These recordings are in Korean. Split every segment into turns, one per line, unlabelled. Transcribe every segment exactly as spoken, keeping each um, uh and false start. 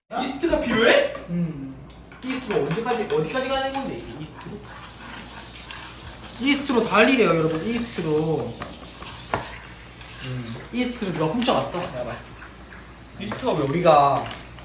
이스트가 필요해?
음. 이스트로 언제까지 어디까지 가는 건데 이게 이스트로? 이스트로 달리래요 여러분. 이스트로. 음. 이스트로 누가 훔쳐갔어? 내가 말.
이스트가 왜
우리가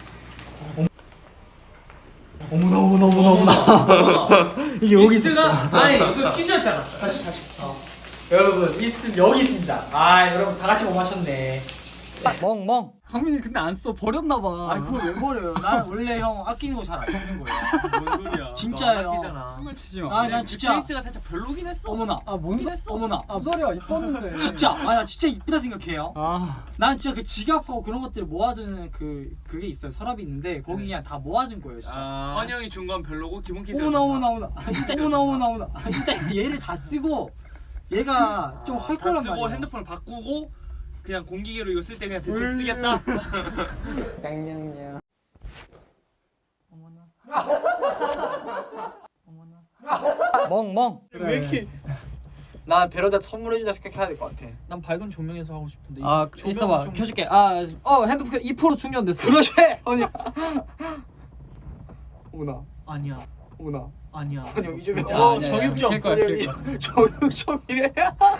어머나 어머나 어머나 어머나 이게 여기
이스트가
있었어.
아니 이거 퀴즈였잖아.
다시 다시. 어. 여러분 이스트 여기 있습니다. 아 여러분 다 같이 못 맞췄네. 멍멍.
강민이 근데 안 써. 버렸나봐.
아 그걸 왜 버려요? 난 원래 형 아끼는 거 잘 안 쓰는 거예요.
뭔 소리야?
진짜예요.
아끼잖아.
을 치지 마.
아 난 진짜.
케이스가 살짝 별로긴 했어.
어머나.
아뭔 소?
했어?
어머나. 아 소리야 이뻤는데.
진짜. 아 나 진짜 이쁘다 생각해요.
아.
난 진짜 그 지갑하고 그런 것들 모아두는 그 그게 있어요. 서랍이 있는데 거기 그냥 다 모아둔 거예요. 진짜.
아... 헌영이 준 건 별로고 기본 케이스가
어머나
좋다.
어머나 어머나. 어머나 어머나 어머나. 일단 얘를 다 쓰고 얘가 좀 할
다
거란
쓰고
말이야.
핸드폰을 바꾸고 그냥 공기계로 이거 쓸 때 그냥 대충 쓰겠다.
냥냥냥. 어머나. 어머나. 멍멍.
왜 이렇게?
난 베러다 선물해주다 생각해야 될 것 같아.
난 밝은 조명에서 하고 싶은데.
아
조명은
있어봐
좀-
켜줄게. 아 어 핸드폰 이 퍼센트 충전됐어.
그러지.
아니.
어머나.
아니야.
어머나.
아니야.
아니 이쪽에.
어,
아니야,
정육점.
킬 거야, 킬 거야.
정육점이래.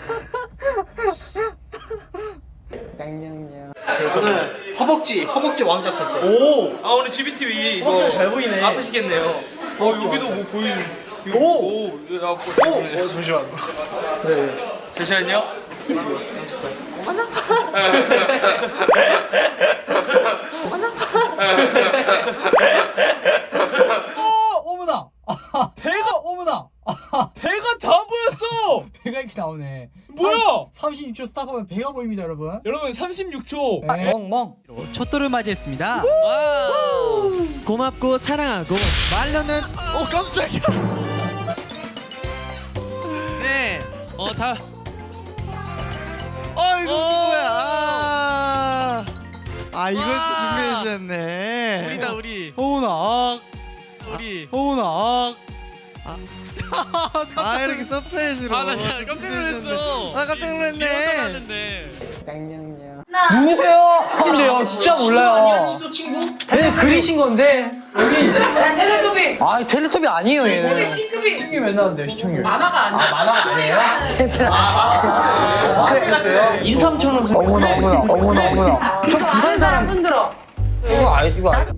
냥냥냥. 저는 허벅지 허벅지 왕자 탔어요.
오! 아 오늘 지비티비 이거
허벅지가 잘 보이네.
아프시겠네요. 어 여기도 뭐 보이는. 이거-
오!
오! 이거 아프. 오!
어 잠시만.
네. 잠시만요.
어 어머나. 배가 어머나.
배가 다 보였어.
배가 이렇게 나오네.
뭐야?
삼십육 초 스탑하면 배가 보입니다 여러분.
여러분 삼십육 초.
멍멍.
첫돌을 맞이했습니다. 와우. 고맙고 사랑하고 말로는
어 깜짝이야.
네. 어 다.
어 이거
어.
누구야? 아, 아 이걸 또
와.
준비해 주셨네.
우리다 우리.
어머나. 아,
우리.
어머나. 아, 아, 아 이렇게 서프라이즈로.
아, 나
또
깜짝
준비해
놀랐어.
주셨네. 아 깜짝 놀랐네.
리허설 하는데.
누구세요? 하신데요? 진짜 몰라요.
진짜 친구?
네 그리신 건데.
난 텔레토비.
아 텔레토비 아니에요 얘는.
C급이.
시청률 몇 나왔는데요 시청률?
만화가 안 돼.
아 만화가 아니에요? 아 그래요? 인삼천원 어머나 어머나 어머나 어머나. 저 부산 사람.
흔들어.
이거 알 이거 알.